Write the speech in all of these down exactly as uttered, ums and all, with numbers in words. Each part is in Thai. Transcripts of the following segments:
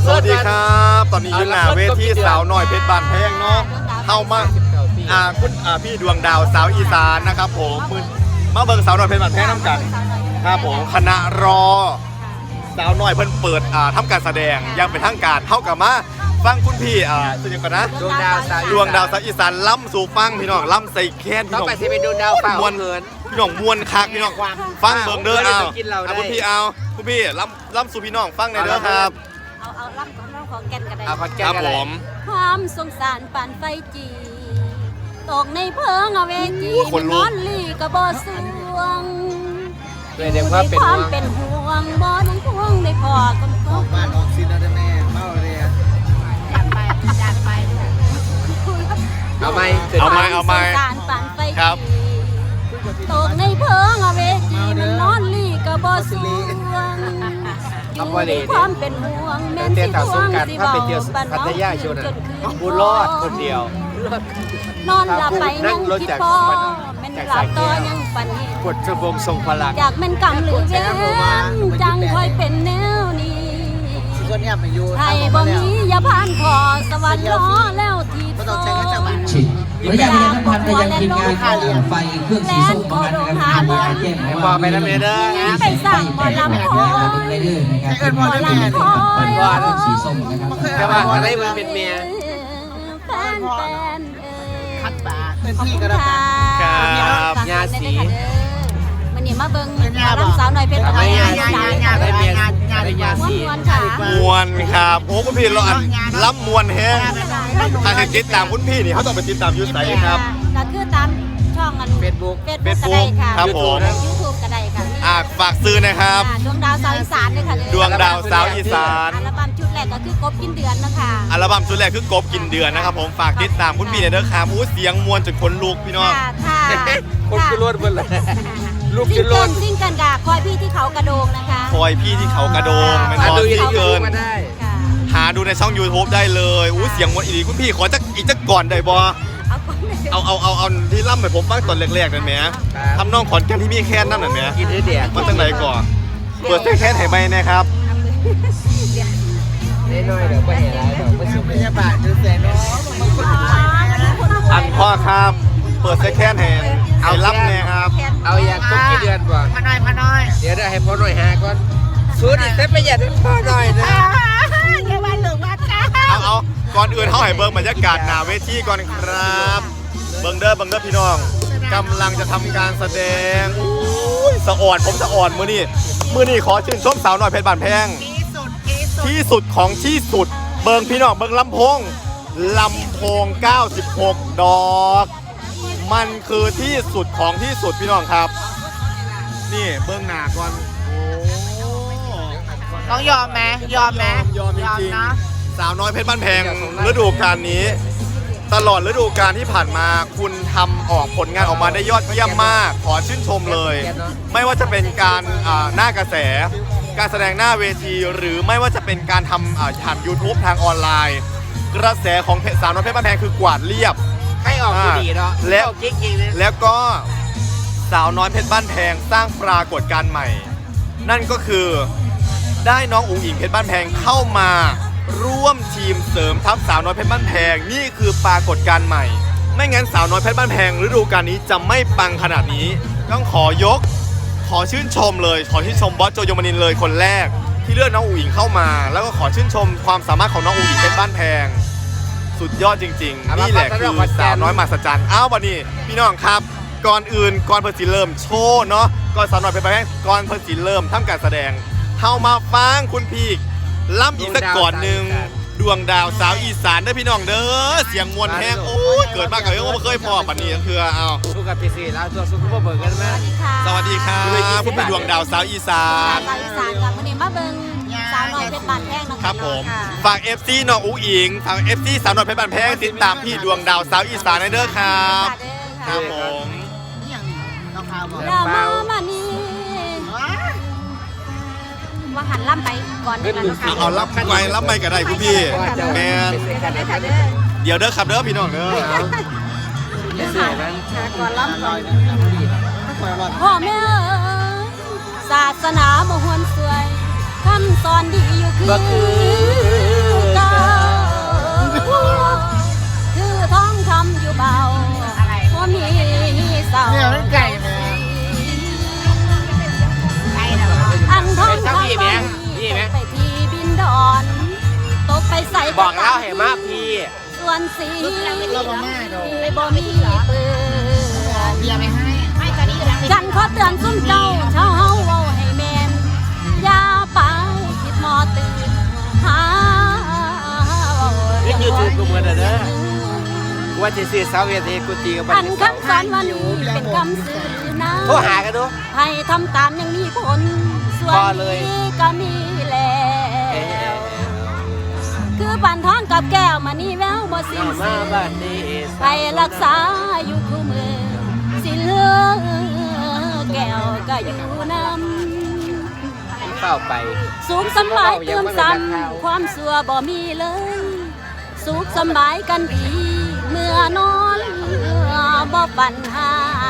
สวัสดีครับตอนนี้อยู่หน้าเวทีสาวน้อยเพชรบานแพงเนาะเข้ามาอ่าคุณอ่าพี่ดวงดาวสาวอีสานนะครับผมมาเบิ่งสาวน้อยเพชรบานแพงน้ำกันครับผมคณะรอสาวน้อยเพิ่นเปิดอ่าทำการแสดงยังเป็นทางการเท่ากับมาฟังคุณพี่อ่าสุดยอดนะดวงดาวสาวดวงดาวสาวอีสานล้ำสู่ฟังพี่น้องล้ำใส่แค้นพี่ต้องน้องไปสิเป็นดวงดาวเปล่ามวนเขินพี่น้องมวนคักพี่น้องฟังเบิ่งเด้อเอากินเราได้เอาคุณพี่เอาคุณพี่ล้ำล้ำสู่พี่น้องฟังในอยเด้อครับเอาเอาล่ำของน้องของแก่นกันได้เอาขอแก้ครับกันผเลยมความสงสารปานไฟจีตกในเพิงเอาเวจีโอ้ยขนลุกนอนลีกระบอสวงเลยเดี๋ยวว่าเป็นควาห่มวงเป็นห่วงบ่น้องพวงได้พอกันก็บ้านออกซินแล้วแม่เมาเลยอ่ะจัดไปจัดไปเอาไหมเอาไหมเอาไหมควสงสารปานไฟครับจีตกในเพิงเอาเวจีมันนอนลีกระบอสวงเอาพอดีความเป็นห่วงแม่นเตี้ยสิต่อทสู้วงกันสิถ้าเบาไปเที่ยวบ้านพัทยาชนจนคืนบุญรอดคนเดียวนอนหลับไปนั่ยังงรถคิดจากพอมันแม่นจากหลัสาบยแก้ต่อวยังฝันเห็นกดชวงทรงพลังอยากเป็นกรรมหรือเวรจังคอยเป็นแนวนี้ก็เนี่ยไปอยู่ไทยบ่มีอย่าผ่านขอสวรรค์ล้อแล้วทีโตฉีดระยะเวลาพันไปยังทีมงานของไฟเครื่องสีส้มประมาณนะครับมีการแจ้งมาบอว่ากไปนะเมเด้อไปสั่งหมอลำคอยไปเรื่อยนะครับเป็นหมอลำคอยสีส้มนะครับแต่ว่าอะไรมันเป็นเมียแฟนแฟนเอ่ยคัดปากเป็นพี่ก็ได้ครับยาสีมันนี่มาเบิ่งหมอลำสาวหน่อยเพชรทำไมยางานสีงานได้เมียได้ยาม้วนสีม้วนค่ะมวนครับโอ้คุณพี่เราอันล้ำมวนแฮงถ้าให้ติดตามคุณพี่นี่เขาต้องไปติดตามยูไซครับก็คือตามช่องอันเฟซบุ๊กเฟซบุ๊กก็ได้ค่ะครับผมยูทูบก็ได้ค่ะอ่าฝากซื้อนะครับอ่าดวงดาวสาวอีสานด้วยค่ะดวงดาวสาวอีสานอัลบั้มชุดแรกก็คือกบกินเดือนนะคะอัลบั้มชุดแรกคือกบกินเดือนนะครับผมฝากติดตามคุณพี่เนี่ยเด้อครับอู้เสียงมวนจนขนลุกพี่น้องค่ะค่ะคนคือรถเบิ่นเลยลูกซิคืงอรเกิถลซิงเกิลกับคอยพี่ที่เขากระโดงนะคะคอยพี่ที่เขากระโดงเป็นมาบอดูลยูที่ทูเกิบนมาได้ค่ะหาดูในช่อง YouTube ได้เลยอู้เสียงมวนอีหลีคุณพี่ขอจักอีกจักก่อนได้บ่เอาก่อนเลยเอาเอาเอาเอาที่ล่ำให้ผมฟังตอนแรกๆนั่นแหมทำน้องขอนแก่นที่มีแค้นนั่นน่ะแหมกินได้เดียกมันจังไหนก่อนเปิดแค้นให้ไหมนะครับได้น้อยเดี๋ยวไปเห็นอะไรเดี๋ยวไปสุพยาบาลดูแสนน้องมันคนอันพ่อครับ เปิดแค้นให้เอาล่ำเนี่ยครับเอาอยากต้องกี่เดือนก่อนพน้อยพน้อยเดี๋ยวได้ให้พ่อหน่อยหาก่อนสูดอีกแต่ประหยัดให้พ่อหน่อยนะอย่าว่าหรือว่าจ้าเอาเอาก่อนอื่นเขาให้เบิ่งบรรยากาศหน้าเวทีก่อนครับ เบิ่งเด้อเบิ่งเด้อพี่น้องกำลังจะทำการแสดงอุ้ยสะอ่อนผมสะอ่อนมือนี่มือนี่ขอชื่นชมสาวน้อยเพชรบานแพงที่สุดที่สุดที่สุดของที่สุด เบิ่งพี่น้องเบิ่งลำโพงลำโพงเก้าสิบหกดอก มันคือที่สุดของที่สุดพี่น้องครับ นี่เบิ่งหน้าก่อนโอ้ต้องยอมไหมยอมไหมยอมจริงนะๆสาวน้อยเพชรบ้านแพงฤดูกาลนี้ ตลอดฤดูกาลที่ผ่านมาคุณทำออกผลงานออกมาได้ยอดเยี่ยมมาก ขอชื่นชมเลย ไม่ว่าจะเป็นการอ่าหน้ากระแส การแสดงหน้าเวที หรือไม่ว่าจะเป็นการทำอ่าผ่าน YouTube ทางออนไลน์ กระแสของเพจสาวน้อยเพชรบ้านแพงคือกวาดเรียบให้ออกกูดีเนาะแล้วจริงๆเลยแล้วก็สาวน้อยเพชรบ้านแพงสร้างปรากฏการณ์ใหม่ นั่นก็คือได้น้องอุ๋งอิงเพชรบ้านแพงเข้ามาร่วมทีมเสริมทัพสาวน้อยเพชรบ้านแพงนี่คือปรากฏการณ์ใหม่ ไม่งั้นสาวน้อยเพชรบ้านแพงฤดูกาลนี้จะไม่ปังขนาดนี้ ต้องขอยก ขอชื่นชมเลย ขอชื่นชมบอสโจโยมานินเลยคนแรก ที่เลือกน้องอุ๋งอิงเข้ามา แล้วก็ขอชื่นชมความสามารถของน้องอุ๋งอิงเพชรบ้านแพง สุดยอดจริงๆ นี่แหละคือสาวน้อยมหัศจรรย์อ้าววันนี้พี่น้องครับ ก่อนอื่นก่อนเพิ่นสิเริ่มโชว์เนาะก่อนสาวน้อยเพชรบ้านแพงก่อนเพิ่นสิเริ่มทำการแสดงเฮามาฟังคุณพี่ล่ำอีกสักก่อนหนึ่งดวงดาวสาวอีสานเด้อพี่น้องเด้อเสียงมวลแห้งโอ้ยเกิดมากับเรื่องว่าเคยพอปันนี้ก็คือเอาสู้กับพีซีแล้วตัวสู้กับเบิร์กันไหมสวัสดีครับคุณพี่ดวงดาวสาวอีสานสาวอีสานกับวันนี้มาเบิ่งสาวน้อยเพชรบานแพงนะคะครับผมค่ะฝาก เอฟ ซี น้องอุ๋งอิงฝาก เอฟ ซี สาวน้อยเพชรบ้านแพงติดตามพี่ดวงดาวสาวอีสานเด้อครับคค่ะรับผมนี่อย่างนี้เราพาบอกดามามานี่ว่าหันล่ำไปก่อนดีกว่านะคะเอาเอารับไปรับไปก็ได้คุณพี่แมน เดี๋ยวเด้อครับเด้อพี่น้องเด้อไม่สวยมั้งก่อนล่ำก่อนถ้าคอยรอดพ่อแม่เอ๋ยศาสนาบ่หวนสวยคำสอนดีอยู่คือบ่คือส่วนสีเราบ่มาดอกบ่มีเปื้อนเบียร์ไม่ให้ให้ตอนนี้กำลังฉันขอเตือนซุ่มเจ้าชาวเฮาเว้าให้แม่นอย่าไปคิดหมอตื่นหาเรียกยูทูบกูเหมือนเด้อว่าจะซื้อสาวเวทีกูตีกับอันคำสอนวันนี้เป็นคำสื่อนะโทรหากันดูให้ทำตามยังมีผล ส่วนพอเลยนี้ก็มีแล้วคือบันท้องกับแก้วมานี่แววบ่สิ้นมาเสื่อบ้านนี้ไปรักษาอยู่คู่มือสิเหลือแก้วก็อยู่นำเข้าไปสุขสำบายเติมซ้ำความสัวบ่มีเลย สุขสำบายกันดีเมื่อนอนบ่ปัญหา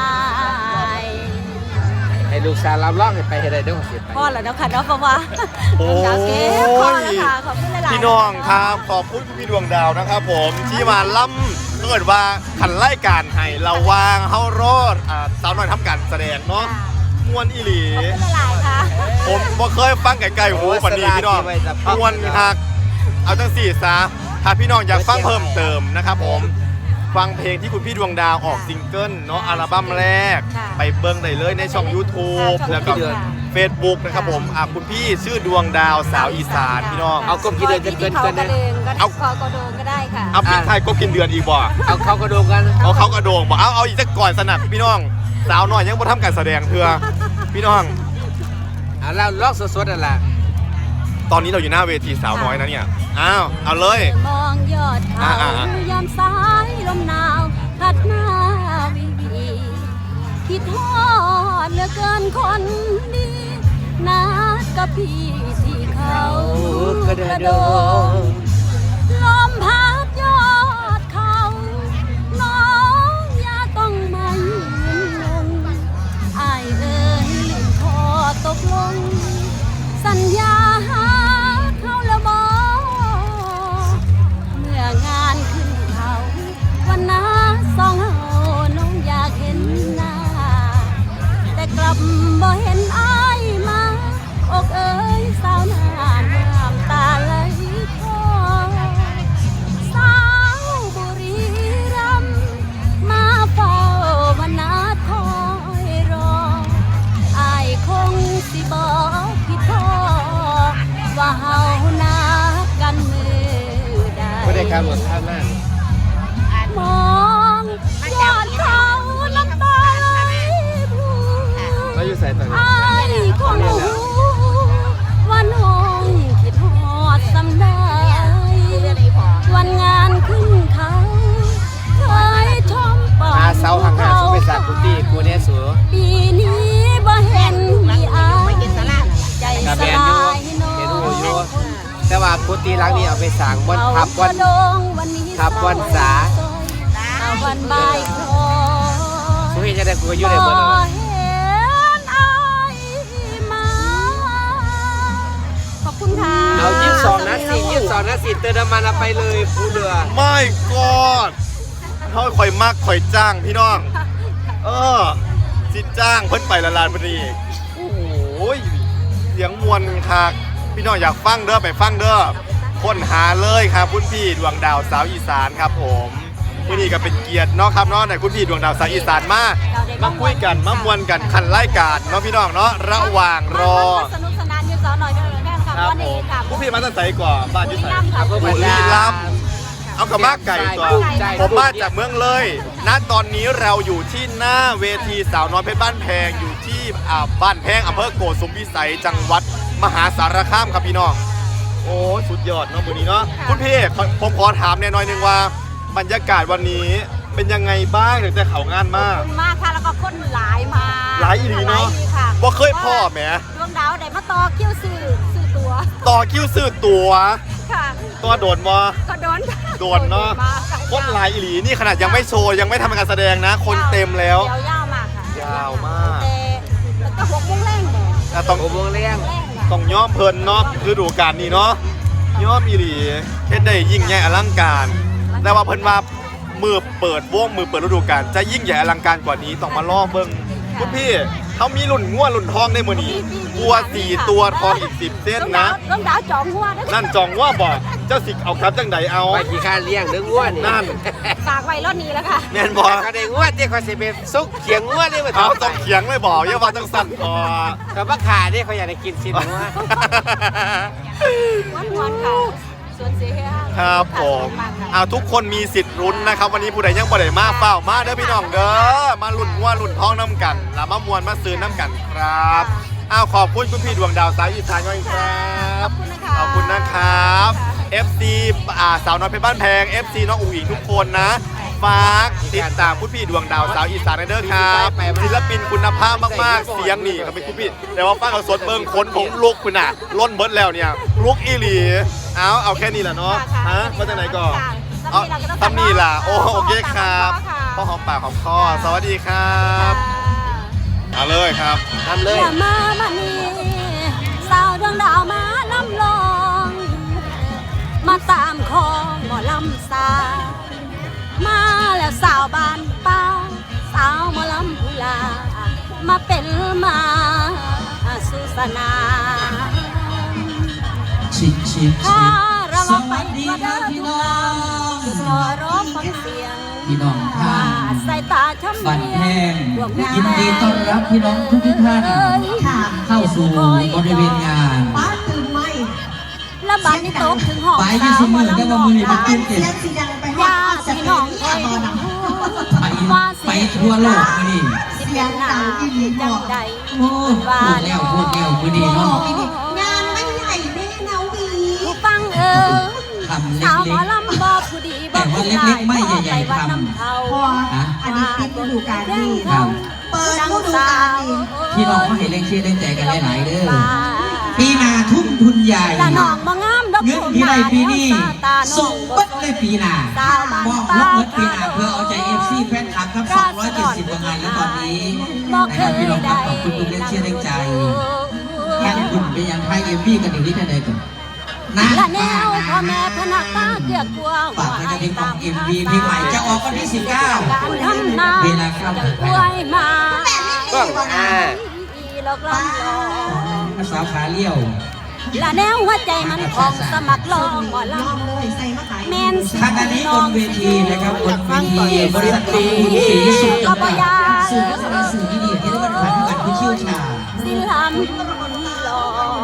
ให้ลูกสาวรับรองให้ไปให้ได้เด้อสิไปพ่อแล้วเนาะค่ะเนาะเพราะว่าโอ้ดาวเก็บพ่อแล้วค่ะขอบคุณหลายๆพี่น้องครับขอบคุณพี่ดวงดาวนะครับผมที่มาล่ำเกิดว่าขันไล่การให้เราวางเฮารอดอ่าสาวน้อยทำการแสดงเนาะมวนอีหลีขอบคุณหลายๆค่ะผมบ่เคยฟังไกลๆหูปันนี้พี่น้องมวนฮักเอาจังสี่ซะถ้าพี่น้องอยากฟังเพิ่มเติมนะครับผมฟังเพลงที่คุณพี่ดวงดาวออกซิงเกิลเนาะอัลบั้มแรก ไปเบิ้งได้เลยในช่อง YouTube แล้วก็ Facebook นะครับผมอ่ะคุณพี่ชื่อดวงดาวสาวอีสานพี่น้องเอากบกี่เดือนจะเกินเขาเกินกระนะเดงก็เอาคอกระโดงก็ได้ค่ะเอาพี่ไทยก็กินเดือนอีกบ่เอาเข้ากระดูกกันเอาเขากระโดงบอกเอาเอาอีกสักก่อนสนับพี่น้องสาวหน่อยยังบ่ทำการแสดงเถื่อพี่น้องเอาเราลอกสดๆนั่นแหละตอนนี้เราอยู่หน้าเวทีสาวน้อยนะเนี่ยอ้าวเอาเลยมองยอดเขาอ่าๆยามสายลมหนาวพัดมาวิวีคิดทอดเหลือเกินคนดีนัดกับพี่ที่เขากระโดงลมพัดยอดเขาน้องอย่าต้องมายืนลงอายเอ่ยลืมขอตกลง สัญญาหาเขาแล้วบอเมื่องานขึ้นเขาวันน้าสองเฮาน้องอยากเห็นหน้า แต่กลับบ่เห็นอายมาอกเอ๋ยสาวน้ำน้ำตาไหลคลอสาวบุรีรัมย์มาเฝ้าวันน้าคอยรอ อายคงสิบอกพี่พ่อว่าเฮานัดกันมือใดไม่ได้การหมดท่านั่นมองยอดเขาน้ำตาไหลพลูเราอยู่ใส่ตอนนี้อายคงรู้ว่าน้องคิดฮอดสำได้วันงานขึ้นเขาเคยชมปอหาเสาห่างๆสุไปสักกุฏิกูเนี่ยสูปีนี้บ่เห็นมีอายใจกับสแมนยูลายเห็นหูอยู่แต่ว่ากุฏิหลังนี้เอาไปสั่งบนทับวัน ทับวันษาเอาวันบ่ายคอสุให้จะได้กูก็อยู่ในบนบ่นั้นเห็นอายมาขอบคุณค่ะเอายี่สิบสองนัดสี่ยี่สิบสองนัดสี่เติมน้ำมันเอาไปเลยผู้เรือไม่กอดเขาคอยมากคอยจ้างพี่น้อง เออสิจ้างเพิ่นไปละลานพอดีโอ้โหเสียงมวลคักพี่น้องอยากฟังเด้อไปฟังเด้อค้นหาเลยครับคุณพี่ดวงดาวสาวอีสานครับผมวันนี้ก็เป็นเกียรติเนาะครับเนาะในคุณพี่ดวงดาวสาวอีสานมามาคุยกันมามวนกันขันไล่การเนาะพี่น้องเนาะระหว่างรอสนุกสนานอยู่สาวหน่อยเด้อแม่ค่ะครับวันผนี้มค่ะผู้พี่มาตั้งใจก่อนบ้านอยุ่ไสค่ะบุรีรัมย์เอากระมากไก่ตัวผมมาจากเมืองเลยณตอนนี้เราอยู่ที่หน้าเวทีสาวน้อยเพชรบ้านแพงอยู่ที่อ่าบ้านแพงอำเภอโกสุมพิสัยจังหวัดมหาสารคามครับพี่น้องโอ้สุดยอดเนาะวันนี้เนาะคุณพี่ขอผมขอถามแน่น้อยหนึงว่าบรรยากาศวันนี้เป็นยังไงบ้างถึงแต่เขางานมากขอบคุณมากค่ะแล้วก็คนหลายมาหลายอีหลีเนาะหลยอีหลีค่ะบ่เคยพ่อแหมดวงดาวได้มาต่อคิวซื้อซื้อตัวต่อคิวซื้อตั๋วค่ะตัวโดนบ่ก็โดนโดนเนาะมค่ะคนหลายอีหลีนี่ขนาดยังไม่โชว์ยังไม่ทำการแสดงนะ คนเต็มแล้วยาวยาวมากค่ะยาวมากแต่แล้วก็หกโมงแรงเนี่ยอ่ะต้องโอ้โหเลี้ยงแรงค่ะต้องย่อมเพลินเนาะฤดูกาลนี้เนาะย่อมอีหลีเฮ็ดได้ยิ่งใหญ่อลังการ แต่ว่าเพิ่นว่ามือเปิดวงมือเปิดฤดูกาลจะยิ่งใหญ่อลังการกว่านี้ต้องมาล่อเบิ่งคุณพี่เขามีหลุ่นง่วหลุ่นทองในมือนี้วัวสี่ตัวทองอีกสิบเส้นนะต้องดาวจองหัวนะนั่นจองว่าบอกเจ้าสิเอาครับจังใดเอาไปกี่การเลี้ยงเนื้อง้วนนั่นฝากไว้รถนี้แล้วค่ะแม่นบอกเขาได้ง้วนที่เขาสิเป็นซุกเขียงง้วนนี่มาเอาต้องเขียงไม่บอกอย่าว่าจังสั่นพอแต่ว่าขาเนี่ยเขาอยากได้กินสินง้วนวันวันค่ะส่วนเสียครับผมเอาทุกคนมีสิทธิ์ลุ้นนะครับ วันนี้ผู้ใดยังบ่ได้มาเฝ้ามาเด้อพี่น้องเด้อมาลุ้นว่าลุ้นท้องน้ำกันแล้วมามวนมาซื้อน้ำกันครับอ้าวขอบคุณคุณพี่ดวงดาวสายอีสานด้วยครับขอบคุณนะคะขอบคุณนะครับ เอฟ ซี อ่าสาวน้อยเพชรบ้านแพง เอฟ ซี น้องอุ๋งอิงทุกคนนะฝากติดตามคุณพี่ดวงดาวสาวอีสานเด้อครับศิลปินคุณภาพมากๆเสียงนี่ครับเป็นคุณพี่แต่ว่าฟังเอาสดเบิ่งคนผมลุกคุณน่ะล้นเบิดแล้วเนี่ยลุกอีหลีเอาเอาแค่นี้แหละเนาะฮะมาจากไหนก่อนเอาทำนี่ล่ะโอโอเคครับพ่อหอมปากหอมคอสวัสดีครับเอาเลยครับทำเลยอย่ามามานี่สาวดวงดาวมาลำลอง มาตามคองหมอลำสาวมาแล้วสาวบ้านป้าสาวหมอลำพุลามาเป็นมาสุสนาชิคชิคถ้าชิคเราสลองไปวัสดีก็คเดิรับนพี่ทุกน้อทางงคือรอร้องฟังเสียงพี่น้องท่านสายตาช้ำบันเลีแพยงพวกแม่ยินดีต้อนรับพี่น้องทุกท่านเข้าสู่บริเวณงานป้าตื่นไหมแล้วบ้านนี้ตกถึงห้องไปที่สมือได้ว่ามือนี้มันตื่นเต้นเสียงสีดังไปห้ยาองสพี่เปน้องนคอยนอนไปไปทั่วโลกมือนี้สิเป็นหนาจังใดโอ้พูดแล้วพูดแล้วมือนี้เนาะงานไม่ใหญ่แม่นาวีผู้ฟังเออทำเล็สาวหมอก ลำบอกผู้ดีบอกผู้ร้ายบอกไปวัดน้ำเขาพออันนี้ปิดฤดูกาลนี้ๆครับเปิดฤดูกาลนี้พี่น้องเขาเห็นเลขชื่อเลขใจกันหลายๆเด้อปีหนาทุ่มทุนใหญ่ละน้องบ่งามดอกเงินที่ได้ปีนี้ส่งเบัดเลยปีหน้าบอกลบเบิดปีหน้าเพื่อเอาใจเอฟซีแฟนคลับครับสองร้อยเจ็ดสิบกว่างานแล้วตอนนี้นะครับพี่น้องครับขอบคุณทุกเล่นเชื่อเล่นใจยังคุณเป็นยังไทยเอ็มวีกันอยู่ที่ไหนกันนะละแนวพ่อแม่พนักตาเกลือกกวางฝากให้กับเพลงของเอ็มวีเพลงใหม่จะออกวันที่สิบเก้าการทำนาเวลาเข้าจังกล้วยมาก็อ่าอีหลอกลำลองสาวขาเลี้ยวละแนวหัวใจมันของสมัครลองหมอลลองเลยใส่มะขายำแมนสิขณะนี้บนเวทีนะครับบนเวทีบริษัทปีสีสุดจำกัดสื่อก็แสดงสื่อที่ดีที่ได้มาตรฐานการผู้เชี่ยวชาญสิลำลอง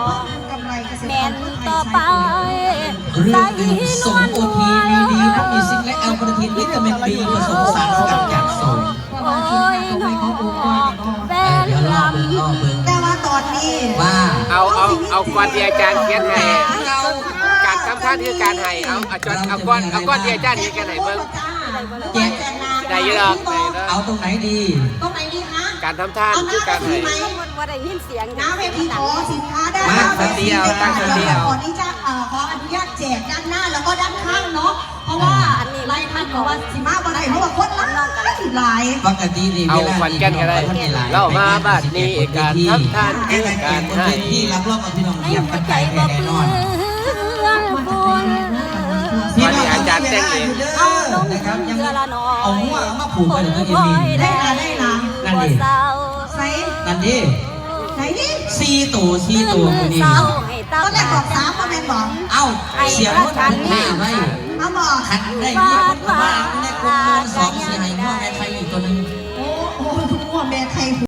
กำไรเกษตรแมนต่อไปเรื่องดื่มสมโอทีมีดีน้ำมีซิงและแอลกอริทินวิตามินบีผสมสารสกัดจากโซนโอ้ยน้องแฟเออน เดี๋ยวรอลเบิ่งรอเบิ่งแต่ว่าตอนนี้ว่าเอาเอาเอาก้อนที่อาจารย์เขียนให้การทำท่านคือการให้เอาเอาจอนเอาก้อนเอาก้อนที่อาจารย์เขียนกันให้เบิ่งแจ็คได้เยอะหรอกได้เยอะเอาตรงไหนดีตรงไหนดีคะการทำท่านคือการให้ำว่าได้ยินเสียงน้าเวทีขอสินค้าได้มาสเตียวตั้งสเตียวขออนุญาตเอ่อขออนุญาตแจกด้านหน้าแล้วก็ด้านข้างเนาะเพราะว่าไล่ท่านบอกว่าสิมาบ่ได้เพราะว่าคนหลายหลายปกตินี่เอาเวลาขวัญแก่นก็ได้เล่ามาบัดนี้การทำท่านให้คือแก่การบนให้เวทีรับรองกับพี่น้องในเยี่ยมหักัวน ใจใจบ่แน่เปนลือนองบุญพี่น้องแต่งเองนะครับยังเอาหัวมาผูกไปถึงจะมีได้ละได้ละนั่นดิใส่นั่นดิไหนนี่ซีตัวซีตัวคนนี้ก็ได้บอกสามก็เป็นบอกเอ้าเสียงรถคันแม่ไว้เอาบอกคันได้มีคนมาในกลุ่มสองสี่ให้หัวแม่ใครอีกตัวนึงโอ้โหทุกคนแม่ใคร